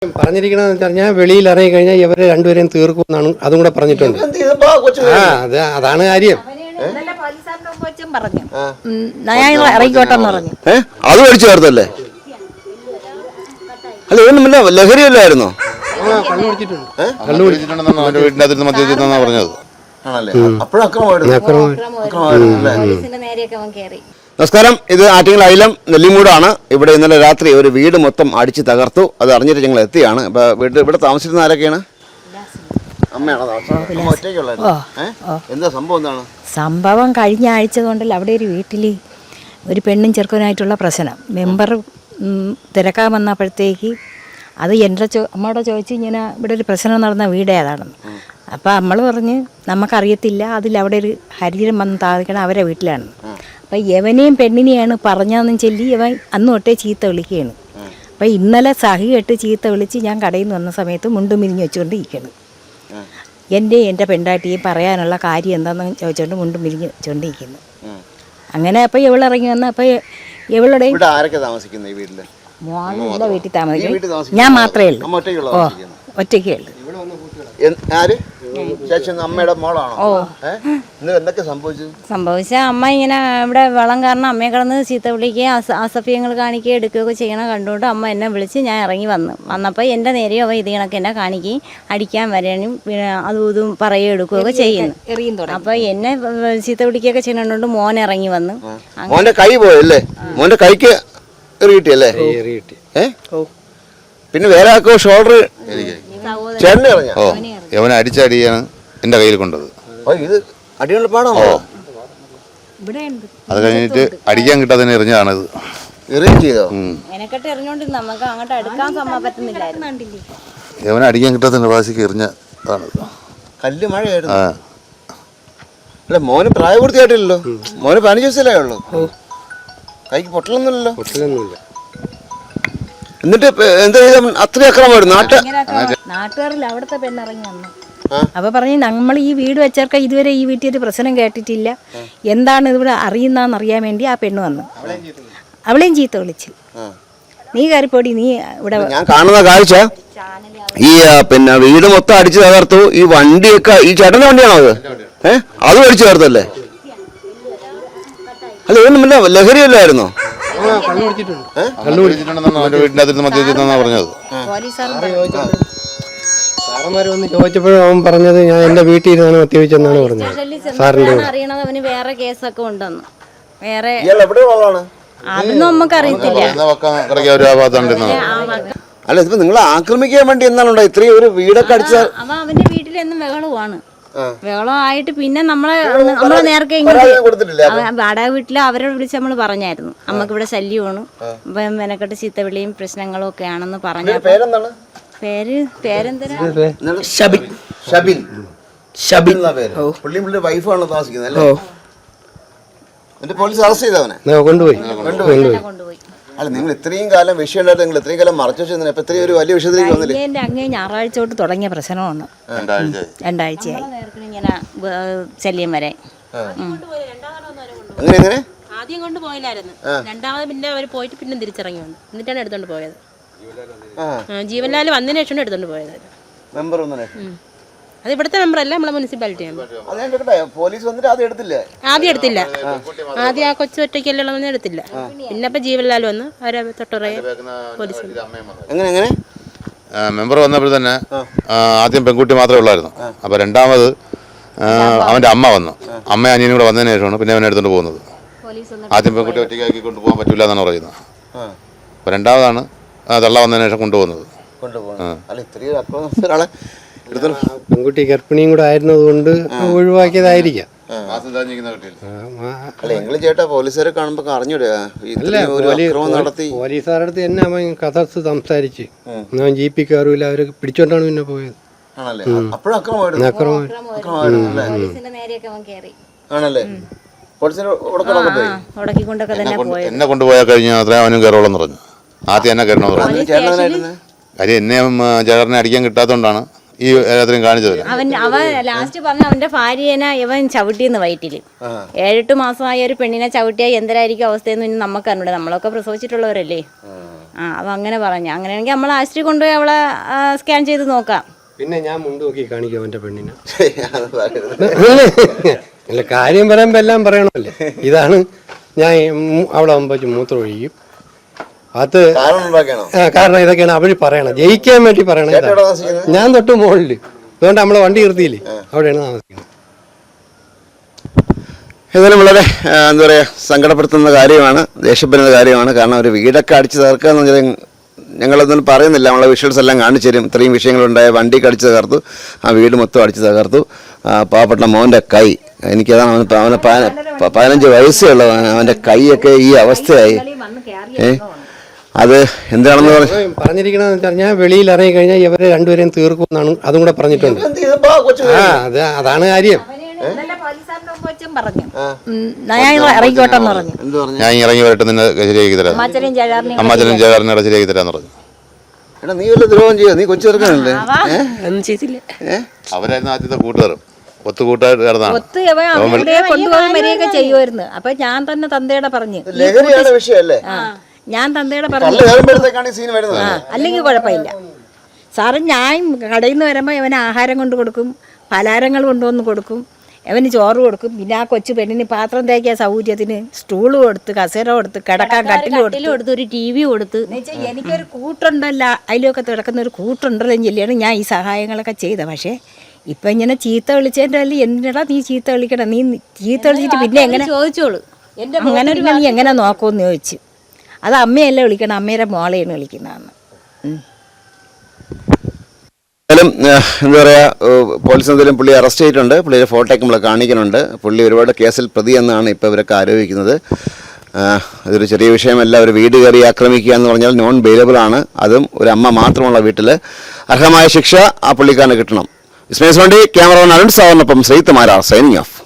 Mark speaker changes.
Speaker 1: പറഞ്ഞിരിക്കണമെന്ന് വെച്ചാൽ ഞാൻ വെളിയിൽ ഇറങ്ങി കഴിഞ്ഞാൽ ഇവരെ രണ്ടുപേരെയും തീർക്കുമെന്നാണ് അതും കൂടെ പറഞ്ഞിട്ടുണ്ട്. അതാണ് കാര്യം.
Speaker 2: അത് മേടിച്ചു ചേർത്തല്ലേ? അല്ല ഇതൊന്നുമില്ല, ലഹരിയല്ലായിരുന്നോ? പറഞ്ഞത്. നമസ്കാരം, ഇത് ആറ്റിങ്ങൽ അയിലം നെല്ലിമൂടാണ്. ഇവിടെ ഇന്നലെ രാത്രി ഒരു വീട് മൊത്തം അടിച്ച് തകർത്തു. അത് അറിഞ്ഞിട്ട് ഞങ്ങൾ എത്തിയാണ്. അപ്പൊ ഇവിടെ താമസിക്കുന്ന ആരൊക്കെയാണ്? അമ്മയാണോ താമസിക്കുന്നത്? എന്താ സംഭവം? എന്താണ്
Speaker 3: സംഭവം? കഴിഞ്ഞ ആഴ്ച കൊണ്ടല്ല അവിടെ ഒരു വീട്ടിൽ ഒരു പെണ്ണും ചെറുക്കനായിട്ടുള്ള പ്രശ്നം. മെമ്പർ തിരക്കാൻ വന്നപ്പോഴത്തേക്ക് അത് എൻ്റെ അമ്മയോട് ചോദിച്ചു ഇങ്ങനെ ഇവിടെ ഒരു പ്രശ്നം നടന്ന വീട് ഏതാണെന്ന്. അപ്പോൾ നമ്മൾ പറഞ്ഞ് നമുക്കറിയത്തില്ല, അതിലവിടെ ഒരു ഹരിജനം വന്ന് താമസിക്കണം, അവരെ വീട്ടിലാണ്. അപ്പം യവനെയും പെണ്ണിനെയാണ് പറഞ്ഞതെന്ന് ചൊല്ലി ഇവൻ അന്ന് തൊട്ടേ ചീത്ത വിളിക്കുകയാണ്. അപ്പം ഇന്നലെ സഹി കെട്ട് ചീത്ത വിളിച്ച് ഞാൻ കടയിൽ നിന്ന് വന്ന സമയത്ത് മുണ്ടും മിരിഞ്ഞ് വെച്ചുകൊണ്ടിരിക്കുകയാണ്. എൻ്റെ പെണ്ടാട്ടിയും പറയാനുള്ള കാര്യം എന്താണെന്ന് ചോദിച്ചുകൊണ്ട് മുണ്ടും മിരിഞ്ഞ് വെച്ചുകൊണ്ടിരിക്കുന്നു. അങ്ങനെ അപ്പോൾ ഇവളിറങ്ങി വന്ന അപ്പോൾ ഇവളുടെ മോനുള്ള വീട്ടിൽ താമസിക്കും. ഞാൻ മാത്രമേ ഉള്ളൂ. ഒറ്റയ്ക്കേ ഉള്ളൂ. സംഭവിച്ച അമ്മ ഇങ്ങനെ ഇവിടെ വെള്ളം കാരണം അമ്മയെ കിടന്ന് ചീത്ത വിളിക്കുകയും അസഭ്യങ്ങൾ കാണിക്കുകയും എടുക്കുകയൊക്കെ ചെയ്യണം കണ്ടുകൊണ്ട് അമ്മ എന്നെ വിളിച്ച് ഞാൻ ഇറങ്ങി വന്നപ്പോൾ എൻ്റെ നേരെയോ ഇത് കണക്ക് എന്നെ കാണിക്കുകയും അടിക്കാൻ വരാനും അതും ഇതും പറയുകയും എടുക്കുകയൊക്കെ ചെയ്യുന്നു. അപ്പോൾ എന്നെ ചീത്ത വിളിക്കുകയൊക്കെ ചെയ്യുന്നതുകൊണ്ട് മോൻ ഇറങ്ങി വന്നു.
Speaker 2: മോന്റെ കൈ പോയല്ലേ? മോന്റെ കൈക്ക് പിന്നെ വേറെ ആക്കോ ഷോൾഡർ
Speaker 4: യവനെ അടിച്ചടിയാണ് എന്റെ കയ്യിൽ കൊണ്ടത്. അത് കഴിഞ്ഞിട്ട് അടിക്കാൻ കിട്ടാതെ എറിഞ്ഞതാണത്. യവനെ അടിക്കാൻ കിട്ടാത്ത പ്രാവശ്യം എറിഞ്ഞതാണ്.
Speaker 2: കല്ല് മഴയായിരുന്നു. അല്ല മോന് പ്രായപൂർത്തിയായിട്ടില്ലല്ലോ. മോന് 15 വയസ്സല്ലേ ഉള്ളൂ. കൈക്ക് പൊട്ടലൊന്നുമില്ലല്ലോ. എന്നിട്ട് എന്താ അത്രയും അക്രമമായിരുന്നു
Speaker 3: നാട്ടുകാരിൽ അവിടുത്തെ പെണ്ണിറങ്ങി വന്നു. അപ്പൊ പറഞ്ഞു നമ്മൾ ഈ വീട് വെച്ചവർക്ക് ഇതുവരെ ഈ വീട്ടിൽ ഒരു പ്രശ്നം കേട്ടിട്ടില്ല, എന്താണ് ഇവിടെ അറിയുന്നതെന്ന് അറിയാൻ വേണ്ടി ആ പെണ്ണ് വന്നു. അവളെയും ചീത്ത വിളിച്ചു, നീ കയറിപ്പോടി, നീ ഇവിടെ.
Speaker 2: ഞാൻ കാണുന്ന കാഴ്ച ഈ പിന്നെ വീട് മൊത്തം അടിച്ചു തകർത്തു. ഈ വണ്ടിയൊക്കെ ഈ ചേട്ടന്റെ വണ്ടിയാണോ അത്? അത് അടിച്ചു തകർത്തല്ലേ? അല്ല ഇതൊന്നുമില്ല, ലഹരിയല്ലായിരുന്നോ?
Speaker 1: സാറന്മാര് വന്ന് ചോദിച്ചപ്പോഴും അവൻ പറഞ്ഞത് ഞാൻ എന്റെ വീട്ടിൽ ഇരുന്നാണ് മദ്യപിച്ചെന്നാണ് പറഞ്ഞത്. സാറിന്റെ
Speaker 3: അറിയണത് അവന് വേറെ കേസൊക്കെ ഉണ്ടെന്ന്. വേറെ അതൊന്നും നമുക്ക് അറിയത്തില്ല.
Speaker 2: അല്ല ഇതിപ്പോ നിങ്ങളെ ആക്രമിക്കാൻ വേണ്ടി എന്നാണോ ഇത്രയും ഒരു വീടൊക്കെ അടിച്ച?
Speaker 3: അവന്റെ വീട്ടിലെന്നും ബഹളമാണ്. ബഹളമായിട്ട് പിന്നെ നമ്മളെ നേരത്തെ വാടക വീട്ടിൽ അവരെ വിളിച്ച് നമ്മൾ പറഞ്ഞായിരുന്നു അമ്മക്ക് ഇവിടെ ശല്യമാണ്, മെനക്കെട്ട് ചീത്തവിളിയും പ്രശ്നങ്ങളും ഒക്കെ ആണെന്ന് പറഞ്ഞു. പേരെന്താ?
Speaker 2: പോലീസ് അറസ്റ്റ് ചെയ്തവനെ
Speaker 1: കൊണ്ടുപോയി.
Speaker 2: അല്ല നിങ്ങൾ ഇത്രയും കാലം വിഷയമുണ്ടായിട്ട് നിങ്ങൾ ഇത്രയും കാലം മറച്ചു വെച്ചാൽ ഇപ്പൊ ഇത്രയും ഒരു വലിയ വിഷയത്തിലേക്ക് വന്നില്ലേ?
Speaker 3: അങ്ങേ ഞായറാഴ്ച തൊട്ട് തുടങ്ങിയ പ്രശ്നമാണ്. 2 ആഴ്ചയായി ഇങ്ങനെ ശല്യം വരെ.
Speaker 2: അങ്ങനെ
Speaker 5: ആദ്യം കൊണ്ട് പോയില്ലായിരുന്നു, രണ്ടാമത് പിന്നെ അവർ പോയിട്ട് പിന്നെ തിരിച്ചിറങ്ങി വന്നു, എന്നിട്ടാണ് എടുത്തോണ്ട് പോയത്. ജീവൻലാൽ വന്നതിന് ശേഷം എടുത്തോണ്ട് പോയത്. അത് ഇവിടുത്തെ മെമ്പറല്ല, നമ്മളെ മുനിസിപ്പാലിറ്റി
Speaker 2: പോലീസ് വന്നിട്ട് ആദ്യം എടുത്തില്ല.
Speaker 5: ആദ്യം ആ കൊച്ചു ഒറ്റയ്ക്കല്ലുള്ള എടുത്തില്ല. പിന്നെ ഇപ്പൊ ജീവൻലാൽ വന്ന് അവരെ തൊട്ടുറയെ പോലീസ്.
Speaker 2: എങ്ങനെ
Speaker 4: മെമ്പർ വന്നപ്പോൾ തന്നെ ആദ്യം പെൺകുട്ടി മാത്രമേ ഉള്ളായിരുന്നു. അപ്പൊ രണ്ടാമത് അവന്റെ അമ്മ വന്നു. അമ്മ അനിയനും കൂടെ വന്നതിന് ശേഷമാണ് പിന്നെ അവനെ എടുത്തോണ്ട് പോകുന്നത്. ആദ്യം പെൺകുട്ടി ഒറ്റയ്ക്കാക്കി കൊണ്ടുപോകാൻ പറ്റൂല എന്നാണ് പറയുന്നത്. അപ്പൊ രണ്ടാമതാണ് തള്ള വന്നതിന് ശേഷം കൊണ്ടുപോകുന്നത്.
Speaker 1: പെൺകുട്ടി ഗർഭിണിയും കൂടെ ആയിരുന്നത് കൊണ്ട് ഒഴിവാക്കിയതായിരിക്കാം.
Speaker 2: ചേട്ടാ പോലീസുകാരെ കാണുമ്പോ അറിഞ്ഞൂടെ?
Speaker 1: പോലീസുകാരുടെ അടുത്ത് തന്നെ അവൻ കഥ സംസാരിച്ച് ഞാൻ ജീപ്പിൽ കയറൂല, അവര് പിടിച്ചോണ്ടാണ് പിന്നെ പോയത്.
Speaker 4: എന്നെ കൊണ്ടുപോയാൽ കഴിഞ്ഞാൽ അത്ര അവനും കയറോളെന്ന് പറഞ്ഞു. ആദ്യം എന്നെ കയറണമെന്ന് പറഞ്ഞു. കാര്യം എന്നെ ചേട്ടനെ അടിക്കാൻ കിട്ടാത്തോണ്ടാണ് ഈ എല്ലാത്തിനും കാണിച്ചത്.
Speaker 3: അവൻ ലാസ്റ്റ് പറഞ്ഞ അവന്റെ ഭാര്യനെ ഇവൻ ചവിട്ടിന്ന് വയറ്റില് 7-8 മാസമായ ഒരു പെണ്ണിനെ ചവിട്ടിയാൽ എന്തരായിരിക്കും അവസ്ഥയെന്ന് നമുക്കറിഞ്ഞൂടെ. നമ്മളൊക്കെ പ്രസവിച്ചിട്ടുള്ളവരല്ലേ. അപ്പം അങ്ങനെ പറഞ്ഞു. അങ്ങനെയാണെങ്കിൽ നമ്മൾ ആശുപത്രി കൊണ്ടുപോയി അവളെ സ്കാൻ ചെയ്ത് നോക്കാം.
Speaker 1: പിന്നെ ഞാൻ മുണ്ട് നോക്കി കാണിക്കും അവൻ്റെ പെണ്ണിനെ. അല്ല, കാര്യം പറയുമ്പോൾ എല്ലാം പറയണമല്ലേ. ഇതാണ് ഞാൻ അവളെ മുമ്പ് മൂത്രം ഒഴിക്കും. അത് കാരണം ഇതൊക്കെയാണ് അവര് പറയണത്, ജയിക്കാൻ വേണ്ടി പറയണത്. ഞാൻ തൊട്ട് മുകളിൽ, അതുകൊണ്ട് നമ്മളെ വണ്ടി നിർത്തിയില്ലേ, അവിടെയാണ് താമസിക്കുന്നത്.
Speaker 2: ഏതായാലും വളരെ എന്താ പറയുക, സങ്കടപ്പെടുത്തുന്ന കാര്യമാണ്, ദേഷ്യപ്പെടുന്ന കാര്യമാണ്. കാരണം ഒരു വീടൊക്കെ അടിച്ച് തകർക്കുക എന്ന് പറഞ്ഞാൽ ഞങ്ങളൊന്നും പറയുന്നില്ല, നമ്മളെ വിഷ്വൽസ് എല്ലാം കാണിച്ചു തരും. ഇത്രയും വിഷയങ്ങളുണ്ടായ വണ്ടിക്ക് അടിച്ച് തകർത്തു, ആ വീട് മൊത്തം അടിച്ച് തകർത്തു. പാവപ്പെട്ട മോൻ്റെ കൈ, എനിക്കതാണ് അവന് 15 വയസ്സേ ഉള്ളതാണ്, അവൻ്റെ കൈയൊക്കെ ഈ അവസ്ഥയായി. അത് എന്താണെന്ന്
Speaker 1: പറഞ്ഞിരിക്കണെന്ന് വെച്ചാൽ ഞാൻ വെളിയിൽ ഇറങ്ങി കഴിഞ്ഞാൽ ഇവരെ രണ്ടുപേരെയും തീർക്കുമെന്നാണ് അതും കൂടെ പറഞ്ഞിട്ടുണ്ട്. അതാണ് കാര്യം.
Speaker 4: ഞാൻ ഇറങ്ങി വരട്ടെ, നിന്നെ ശരിയാക്കി തരാം, അമ്മാച്ചനും ചേകാരനെ ശരിയാക്കി തരാന്ന് പറഞ്ഞു.
Speaker 2: എടാ, നീ വല്ല ദ്രോഹം ചെയ്യോ? നീ കൊച്ചു ചെറുക്കനല്ലേ?
Speaker 4: അവരായിരുന്നു ആദ്യത്തെ കൂട്ടുകാരും, ഒത്തുകൂട്ടായിട്ട് കിടന്നാണ്.
Speaker 3: കൊണ്ടുപോകുമ്പോഴൊക്കെ ചെയ്യുമായിരുന്നു. അപ്പൊ ഞാൻ തന്നെ തന്തയുടെ പറഞ്ഞു,
Speaker 2: വിഷയമല്ലേ?
Speaker 3: ഞാൻ തന്തയുടെ പറഞ്ഞു, അല്ലെങ്കിൽ കുഴപ്പമില്ല സാറ്. ഞാൻ കടയിൽ നിന്ന് വരുമ്പോൾ ഇവന് ആഹാരം കൊണ്ട് കൊടുക്കും, പലഹാരങ്ങൾ കൊണ്ടുവന്ന് കൊടുക്കും, അവന് ചോറ് കൊടുക്കും. പിന്നെ ആ കൊച്ചു പെണ്ണിന് പാത്രം തേക്കാൻ സൗകര്യത്തിന് സ്റ്റൂള് കൊടുത്ത്, കസേര കൊടുത്ത്, കിടക്കാൻ കട്ടിൽ കൊടുത്ത്, ഒരു TV കൊടുത്ത്. എനിക്കൊരു കൂട്ടുണ്ടല്ല, അതിലൊക്കെ കിടക്കുന്ന ഒരു കൂട്ടുണ്ടല്ലോ ചൊല്ലിയാണ് ഞാൻ ഈ സഹായങ്ങളൊക്കെ ചെയ്തത്. പക്ഷേ ഇപ്പം ഇങ്ങനെ ചീത്ത വിളിച്ചതിൻ്റെ അല്ല, എന്തിനാ നീ ചീത്ത വിളിക്കണം, നീ ചീത്ത വിളിച്ചിട്ട് പിന്നെ എങ്ങനെ ചോദിച്ചോളൂ, അങ്ങനെ ഒരു നീ എങ്ങനെ നോക്കുമെന്ന് ചോദിച്ചു. അത് അമ്മയല്ല വിളിക്കണം, അമ്മയുടെ മോളെയാണ് വിളിക്കുന്നതെന്ന്.
Speaker 2: എന്താ പറയുക, പോലീസ് എന്തെങ്കിലും പുള്ളിയെ അറസ്റ്റ് ചെയ്തിട്ടുണ്ട്. പുള്ളിയുടെ ഫോട്ടോയൊക്കെ നമ്മൾ കാണിക്കുന്നുണ്ട്. പുള്ളി ഒരുപാട് കേസിൽ പ്രതി എന്നാണ് ഇപ്പോൾ ഇവരൊക്കെ ആരോപിക്കുന്നത്. അതൊരു ചെറിയ വിഷയമല്ല. ഒരു വീട് കയറി ആക്രമിക്കുക എന്ന് പറഞ്ഞാൽ നോൺ ബെയിലബിൾ ആണ്. അതും ഒരു അമ്മ മാത്രമുള്ള വീട്ടിൽ അർഹമായ ശിക്ഷ ആ പുള്ളിക്കാരന് കിട്ടണം. ഇസ്മേസ് വണ്ടി, ക്യാമറമാൻ അരുൺ സാറിനൊപ്പം ശ്രീത്തുമാര, സൈനിങ് ഓഫ്.